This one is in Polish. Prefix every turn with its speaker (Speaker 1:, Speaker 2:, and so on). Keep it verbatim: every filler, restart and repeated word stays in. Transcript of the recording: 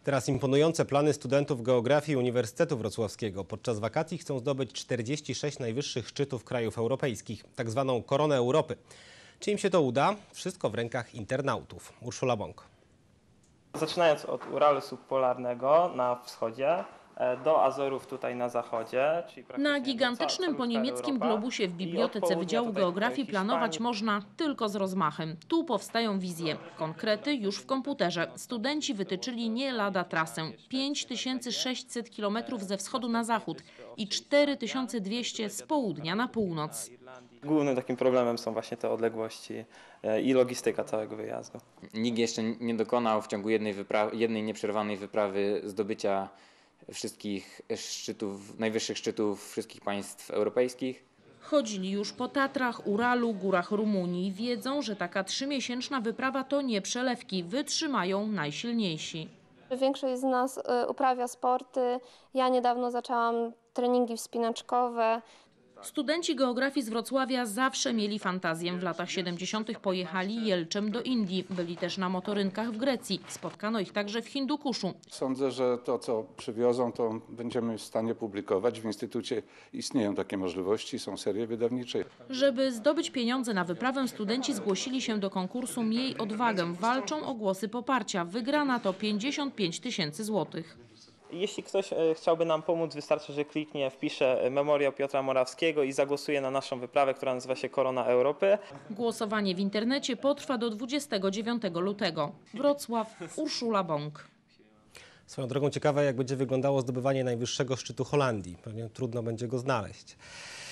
Speaker 1: Teraz imponujące plany studentów geografii Uniwersytetu Wrocławskiego. Podczas wakacji chcą zdobyć czterdzieści sześć najwyższych szczytów krajów europejskich, tak zwaną koronę Europy. Czy im się to uda? Wszystko w rękach internautów. Urszula Bąk.
Speaker 2: Zaczynając od Uralu subpolarnego na wschodzie, do Azorów tutaj na zachodzie. Czyli
Speaker 3: na gigantycznym po niemieckim
Speaker 2: Europa.
Speaker 3: globusie w Bibliotece Wydziału Geografii planować można tylko z rozmachem. Tu powstają wizje. Konkrety już w komputerze. Studenci wytyczyli nie lada trasę. pięć tysięcy sześćset kilometrów ze wschodu na zachód i cztery tysiące dwieście z południa na północ.
Speaker 2: Głównym takim problemem są właśnie te odległości i logistyka całego wyjazdu.
Speaker 4: Nikt jeszcze nie dokonał w ciągu jednej, jednej nieprzerwanej wyprawy zdobycia wszystkich szczytów, najwyższych szczytów wszystkich państw europejskich.
Speaker 3: Chodzili już po Tatrach, Uralu, górach Rumunii. Wiedzą, że taka trzymiesięczna wyprawa to nie przelewki. Wytrzymają najsilniejsi.
Speaker 5: Większość z nas uprawia sporty. Ja niedawno zaczęłam treningi wspinaczkowe.
Speaker 3: Studenci geografii z Wrocławia zawsze mieli fantazję. W latach siedemdziesiątych pojechali jelczem do Indii. Byli też na motorynkach w Grecji. Spotkano ich także w Hindukuszu.
Speaker 6: Sądzę, że to, co przywiozą, to będziemy w stanie publikować. W Instytucie istnieją takie możliwości, są serie wydawnicze.
Speaker 3: Żeby zdobyć pieniądze na wyprawę, studenci zgłosili się do konkursu Miej Odwagę. Walczą o głosy poparcia. Wygrana to pięćdziesiąt pięć tysięcy złotych.
Speaker 2: Jeśli ktoś chciałby nam pomóc, wystarczy, że kliknie, wpisze memoriał Piotra Morawskiego i zagłosuje na naszą wyprawę, która nazywa się Korona Europy.
Speaker 3: Głosowanie w internecie potrwa do dwudziestego dziewiątego lutego. Wrocław, Urszula Bąk.
Speaker 1: Swoją drogą ciekawe, jak będzie wyglądało zdobywanie najwyższego szczytu Holandii. Pewnie trudno będzie go znaleźć.